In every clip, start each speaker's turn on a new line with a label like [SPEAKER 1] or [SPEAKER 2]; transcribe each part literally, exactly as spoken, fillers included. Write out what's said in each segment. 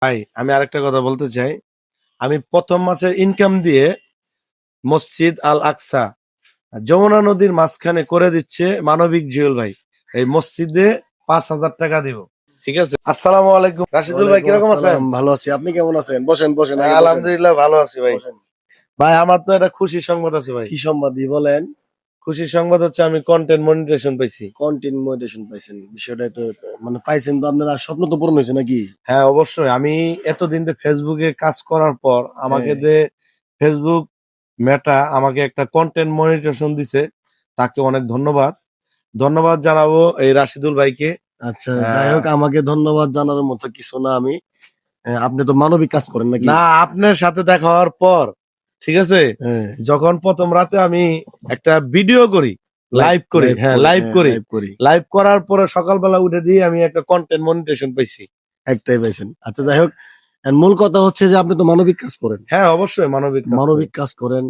[SPEAKER 1] ভাই আমি আরেকটা কথা বলতে চাই। আমি প্রথম মাসের ইনকাম দিয়ে মসজিদ আল আকসা যমুনা নদীর মাঝখানে করে দিচ্ছে মানবিক জুয়েল ভাই। এই মসজিদে পাঁচ হাজার টাকা দিব। ঠিক আছে। আসসালামু আলাইকুম রাশিদুল ভাই,
[SPEAKER 2] ওয়ালাইকুম
[SPEAKER 1] কিরকম আছেন?
[SPEAKER 2] আসসালাম, ভালো আছি। আপনি কেমন আছেন? বসেন বসেন, আগে বসেন।
[SPEAKER 1] আলহামদুলিল্লাহ ভালো আছি ভাই।
[SPEAKER 2] বসেন।
[SPEAKER 1] ভাই আমার তো একটা খুশির সংবাদ আছে ভাই।
[SPEAKER 2] কি সম্বাদী বলেন?
[SPEAKER 1] খুশির সংবাদ হচ্ছে আমি কন্টেন্ট মনিটাইজেশন পাইছি।
[SPEAKER 2] কন্টেন্ট মনিটাইজেশন পাইছেন? বিষয়টা তো মানে পাইছেন তো, আপনারা স্বপ্ন তো পূরণ হয়েছে নাকি?
[SPEAKER 1] হ্যাঁ অবশ্যই। আমি এতদিন ধরে ফেসবুকে কাজ করার পর আমাকে
[SPEAKER 2] হ্যাঁ।
[SPEAKER 1] যে ফেসবুক মেটা আমাকে একটা কন্টেন্ট মনিটাইজেশন দিছে, তাকে অনেক ধন্যবাদ। ধন্যবাদ জানাবো এই রাশিদুল ভাইকে।
[SPEAKER 2] আচ্ছা, যাই
[SPEAKER 1] আহ,
[SPEAKER 2] হোক, আমাকে ধন্যবাদ জানার মতো কিছু না। আমি আহ, আপনি তো মানবিক কাজ করেন নাকি?
[SPEAKER 1] না, আপনার সাথে দেখা হওয়ার পর, ঠিক আছে,
[SPEAKER 2] হ্যাঁ।
[SPEAKER 1] যখন প্রথম রাতে আমি একটা ভিডিও করি,
[SPEAKER 2] লাইভ
[SPEAKER 1] লাইভ করি,
[SPEAKER 2] লাইভ
[SPEAKER 1] হ্যাঁ
[SPEAKER 2] করি,
[SPEAKER 1] লাইভ
[SPEAKER 2] হ্যাঁ
[SPEAKER 1] করি,
[SPEAKER 2] লাইভ করি।
[SPEAKER 1] লাইভ করার পরে সকালবেলা উঠে দিয়ে আমি একটা কন্টেন্ট মনিটাইজেশন পাইছি।
[SPEAKER 2] একটাই পাইছেন? আচ্ছা, যাই হোক, আর মূল কথা হচ্ছে যে আপনি তো মানবিক কাজ করেন।
[SPEAKER 1] হ্যাঁ অবশ্যই মানবিক কাজ করি।
[SPEAKER 2] মানবিক কাজ করেন।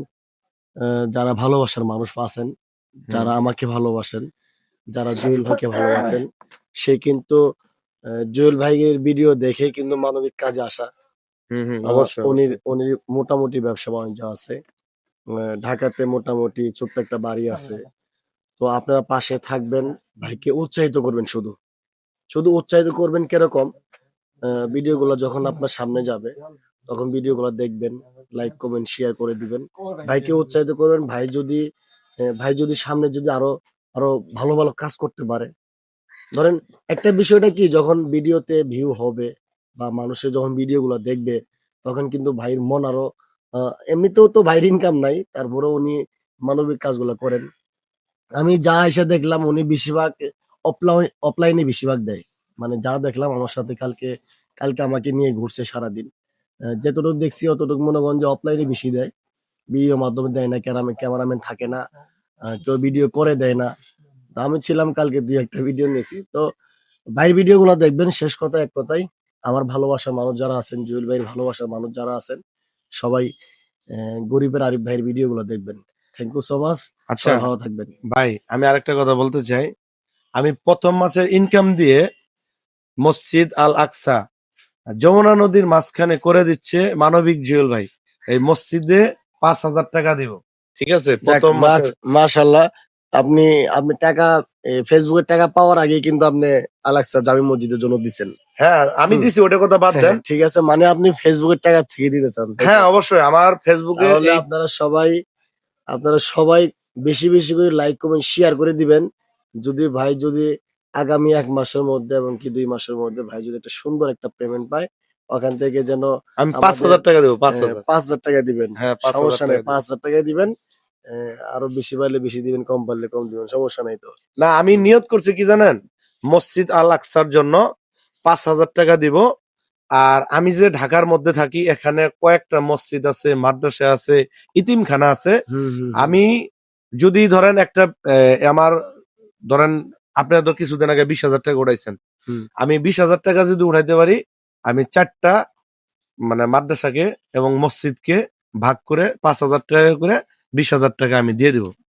[SPEAKER 2] আহ, যারা ভালোবাসার মানুষ আছেন,
[SPEAKER 1] হুম,
[SPEAKER 2] যারা আমাকে ভালোবাসেন, যারা জুয়েল ভাইকে ভালোবাসেন, সে কিন্তু আহ, জুয়েল ভাইয়ের ভিডিও দেখে কিন্তু মানবিক কাজে আসা।
[SPEAKER 1] হুম, হুম,
[SPEAKER 2] আহ,
[SPEAKER 1] অবশ্যই
[SPEAKER 2] উনির
[SPEAKER 1] অবশ্যই।
[SPEAKER 2] উনির মোটামুটি ব্যবসা বাণিজ্য আছে। আহ, ঢাকাতে মোটামুটি ছোট্ট একটা বাড়ি আছে। তো আপনারা পাশে থাকবেন, ভাইকে উৎসাহিত করবেন। শুধু শুধু উৎসাহিত করবেন কিরকম? ভিডিও গুলো যখন আপনার সামনে যাবে, তখন ভিডিও গুলো দেখবেন, লাইক কমেন্ট শেয়ার করে দিবেন, ভাইকে উৎসাহিত করবেন। ভাই যদি আহ, ভাই যদি সামনে যদি আরো আরো ভালো ভালো কাজ করতে পারে, ধরেন, একটা বিষয়টা কি, যখন ভিডিওতে ভিউ হবে বা মানুষের যখন ভিডিও গুলো দেখবে, তখন কিন্তু ভাইয়ের মন আরো আহ, এমনিতেও তো ভাইয়ের ইনকাম নাই, তারপরে উনি মানবিক কাজগুলো করেন। আমি যা এসে দেখলাম, উনি বেশিরভাগ অফলাইন অফলাইনে বেশিরভাগ দেয়। মানে যা দেখলাম, আমার সাথে কালকে কালকে আমাকে নিয়ে ঘুরছে সারাদিন। আহ, যতটুকু দেখছি অতটুকু মনে করেন যে অফলাইনে বেশি দেয়। ভিডিও মাধ্যমে দেয় না, ক্যামেরা ক্যামেরাম্যান থাকে না, আহ, কেউ ভিডিও করে দেয় না। তো আমি ছিলাম কালকে, দুই একটা ভিডিও নিয়েছি। তো ভাইয়ের ভিডিও গুলো দেখবেন। শেষ কথা এক কথাই, আমার ভালোবাসার মানুষ যারা আছেন, জুয়েল ভাইয়ের ভালোবাসার মানুষ যারা আছেন, সবাই আহ, গরিবের আরিফ ভাইয়ের ভিডিও গুলো দেখবেন। Thank you so much.
[SPEAKER 1] আচ্ছা
[SPEAKER 2] সবাই ভালো থাকবেন।
[SPEAKER 1] ভাই, আমি আরেকটা কথা বলতে চাই। আমি প্রথম মাসের ইনকাম দিয়ে মসজিদ আল আকসা যমুনা নদীর মাঝখানে করে দিচ্ছে মানবিক জুয়েল ভাই। এই মসজিদে পাঁচ হাজার টাকা দিব। ঠিক আছে,
[SPEAKER 2] যাক,
[SPEAKER 1] প্রথম মাসের।
[SPEAKER 2] মাশাল্লাহ। আপনি আপনি টাকা এ, ফেসবুকের টাকা পাওয়ার আগে কিন্তু আপনি আলাক্সা জামি মসজিদের জন্য দিচ্ছেন।
[SPEAKER 1] হ্যাঁ আমি
[SPEAKER 2] হুম।
[SPEAKER 1] দিছি, ওটা কথা বাদ
[SPEAKER 2] হ্যাঁ,
[SPEAKER 1] দেন।
[SPEAKER 2] হ্যাঁ, ঠিক আছে, মানে আপনি ফেসবুকের টাকা থেকে দিতে চান, তাই
[SPEAKER 1] হ্যাঁ
[SPEAKER 2] তো?
[SPEAKER 1] অবশ্যই আমার ফেসবুকে
[SPEAKER 2] তাহলে
[SPEAKER 1] এই
[SPEAKER 2] আপনারা সবাই আপনারা সবাই বেশি বেশি করে লাইক কমেন্ট শেয়ার করে দিবেন। যদি ভাই যদি আগামী এক মাসের মধ্যে এবং কি দুই মাসের মধ্যে ভাই যদি একটা সুন্দর একটা পেমেন্ট পায়, ওখান থেকে যেন
[SPEAKER 1] আমি পাঁচ
[SPEAKER 2] আমাদের
[SPEAKER 1] হাজার টাকা দেবো, পাঁচ
[SPEAKER 2] আহ,
[SPEAKER 1] হাজার
[SPEAKER 2] পাঁচ হাজার টাকা দিবেন।
[SPEAKER 1] হ্যাঁ পাঁচ হাজার
[SPEAKER 2] সমস্যা নেই,
[SPEAKER 1] টাকা দেবো।
[SPEAKER 2] পাঁচ হাজার টাকা দিবেন। আহ, আরো বেশি পারলে বেশি দিবেন, কম পারলে কম দিবেন, সমস্যা নাই তো।
[SPEAKER 1] না আমি নিয়ত করছি কি জানেন, মসজিদ আল আকসার জন্য পাঁচ হাজার টাকা দিব। আর আমি যে ঢাকার মধ্যে থাকি, এখানে কয়েকটা মসজিদ আছে, মাদ্রাসা আছে, ইতিমখানা আছে।
[SPEAKER 2] হুম হুম হুম।
[SPEAKER 1] আমি যদি ধরেন একটা আহ, আমার ধরেন আপনারা তো কিছুদিন আগে বিশ হাজার টাকা উঠাইছেন,
[SPEAKER 2] হুম।
[SPEAKER 1] আমি বিশ হাজার টাকা যদি উঠাইতে পারি, আমি চারটা মানে মাদ্রাসাকে এবং মসজিদকে ভাগ করে পাঁচ হাজার টাকা করে বিশ হাজার টাকা আমি দিয়ে দিব।